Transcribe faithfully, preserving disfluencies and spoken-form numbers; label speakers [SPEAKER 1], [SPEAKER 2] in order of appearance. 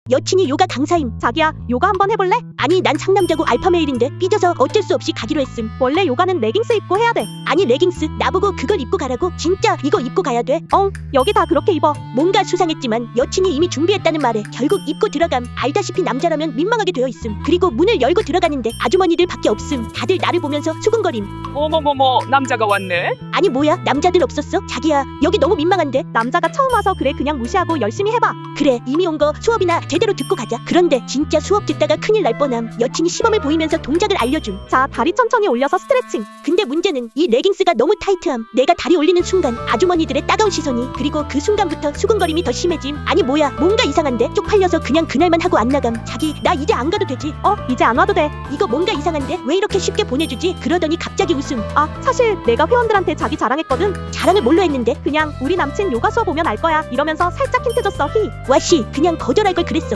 [SPEAKER 1] 여친이 요가 강사임.
[SPEAKER 2] 자기야, 요가 한번 해볼래?
[SPEAKER 1] 아니 난 상남자고 알파메일인데 삐져서 어쩔 수 없이 가기로 했음.
[SPEAKER 2] 원래 요가는 레깅스 입고 해야 돼.
[SPEAKER 1] 아니 레깅스 나보고 그걸 입고 가라고? 진짜 이거 입고 가야 돼?
[SPEAKER 2] 어, 여기 다 그렇게 입어.
[SPEAKER 1] 뭔가 수상했지만 여친이 이미 준비했다는 말에 결국 입고 들어감. 알다시피 남자라면 민망하게 되어 있음. 그리고 문을 열고 들어가는데 아주머니들 밖에 없음. 다들 나를 보면서 수근거림.
[SPEAKER 3] 어머머머, 남자가 왔네?
[SPEAKER 1] 아니 뭐야 남자들 없었어? 자기야 여기 너무 민망한데.
[SPEAKER 2] 남자가 처음 와서 그래. 그냥 무시하고 열심히 해봐.
[SPEAKER 1] 그래 이미 온 거 수업이나 제대로 듣고 가자. 그런데 진짜 수업 듣다가 큰일 날 뻔함. 여친이 시범을 보이면서 동작을 알려줌.
[SPEAKER 2] 자, 다리 천천히 올려서 스트레칭.
[SPEAKER 1] 근데 문제는 이 레깅스가 너무 타이트함. 내가 다리 올리는 순간 아주머니들의 따가운 시선이, 그리고 그 순간부터 수근거림이 더 심해짐. 아니 뭐야 뭔가 이상한데? 쪽팔려서 그냥 그날만 하고 안 나감. 자기 나 이제 안 가도 되지?
[SPEAKER 2] 어, 이제 안 와도 돼.
[SPEAKER 1] 이거 뭔가 이상한데? 왜 이렇게 쉽게 보내주지? 그러더니 갑자기 웃음.
[SPEAKER 2] 아, 사실 내가 회원들한테 자기 자랑했거든.
[SPEAKER 1] 자랑을 뭘로 했는데?
[SPEAKER 2] 그냥 우리 남친 요가 수업 오면 알 거야 이러면서 살짝 힌트 줬어. 히.
[SPEAKER 1] 와씨 그냥 거절할 걸 그랬어.